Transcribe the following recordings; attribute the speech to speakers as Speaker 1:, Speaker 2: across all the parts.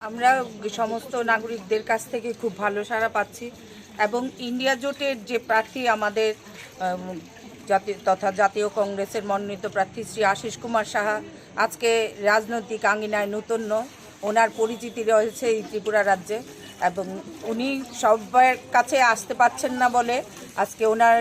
Speaker 1: আমরা সমস্ত নাগরিকদের কাছ থেকে খুব ভালো সাড়া পাচ্ছি এবং ইন্ডিয়া জোটের যে প্রার্থী আমাদের জাতীয় কংগ্রেসের মনোনীত প্রার্থী শ্রী আশিস কুমার সাহা আজকে রাজনৈতিক আঙ্গিনায় নূতন, ওনার পরিচিতি রয়েছে এই ত্রিপুরা রাজ্যে এবং উনি সবার কাছে আসতে পারছেন না বলে আজকে ওনার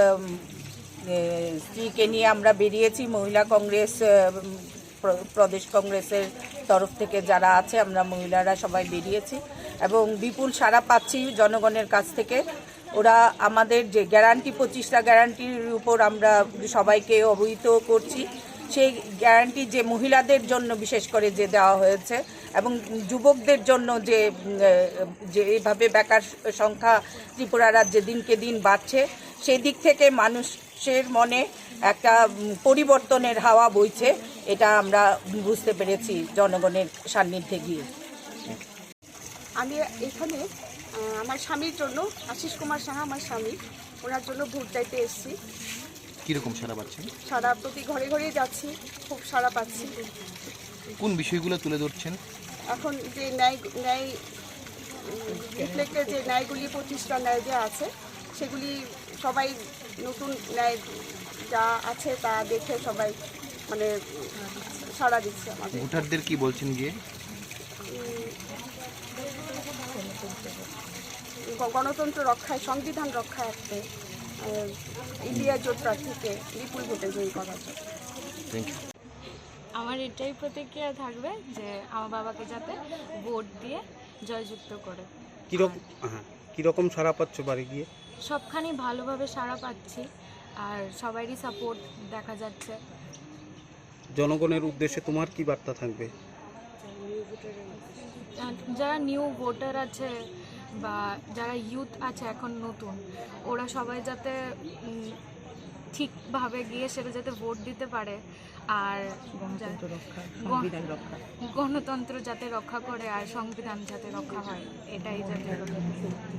Speaker 1: স্ত্রীকে নিয়ে আমরা বেরিয়েছি। মহিলা কংগ্রেস, প্রদেশ কংগ্রেসের তরফ থেকে যারা আছে আমরা মহিলারা সবাই বেরিয়েছি এবং বিপুল সাড়া পাচ্ছি জনগণের কাছ থেকে। ওরা আমাদের যে গ্যারান্টি 25টা গ্যারান্টির উপর আমরা সবাইকে অবহিত করছি। সেই গ্যারান্টি যে মহিলাদের জন্য বিশেষ করে যে দেওয়া হয়েছে এবং যুবকদের জন্য যে এইভাবে বেকার সংখ্যা ত্রিপুরা রাজ্যে দিনকে দিন বাড়ছে, সেই দিক থেকে মানুষের মনে একটা পরিবর্তনের হাওয়া বইছে, এটা আমরা বুঝতে পেরেছি জনগণের সান্নিধ্যে গিয়ে।
Speaker 2: আমি এখানে আমার স্বামীর জন্য, আশিস কুমার সাহা আমার স্বামী, ওনার জন্য ভোট চাইতে এসেছি।
Speaker 3: কীরকম সাড়া পাচ্ছেন?
Speaker 2: সারা প্রতি ঘরে ঘরে যাচ্ছি, খুব সাড়া পাচ্ছি।
Speaker 3: কোন বিষয়গুলো তুলে ধরছেন?
Speaker 2: এখন যে ন্যায় রিফ্লেক্টের যে ন্যায়গুলি 25টা ন্যায় যে আছে সেগুলি সবাই নতুন ন্যায় যা আছে তা দেখে সবাই মানে সাড়া দিচ্ছে আমাদের।
Speaker 3: ভোটারদের কি বলছেন গিয়ে?
Speaker 2: গণতন্ত্র রক্ষায়, সংবিধান রক্ষার্থে ইন্ডিয়া জোট প্রার্থীকে বিপুল ভোটে জয়ী করা যায়।
Speaker 3: Thank you.
Speaker 4: আমার এটাই প্রতিক্রিয়া থাকবে যে আমার বাবাকে যাতে ভোট দিয়ে জয়যুক্ত করে।
Speaker 5: কীরকম সাড়া পাচ্ছ বাড়ি গিয়ে?
Speaker 4: সবখানি ভালোভাবে সাড়া পাচ্ছি আর সবারই সাপোর্ট দেখা যাচ্ছে।
Speaker 5: জনগণের উদ্দেশ্যে তোমার কি বার্তা থাকবে?
Speaker 4: যারা নিউ ভোটার আছে বা যারা ইউথ আছে এখন নতুন, ওরা সবাই যাতে ঠিকভাবে গিয়ে সেটা যাতে ভোট দিতে পারে আর গণতন্ত্র যাতে রক্ষা করে আর সংবিধান যাতে রক্ষা হয়, এটাই যাতে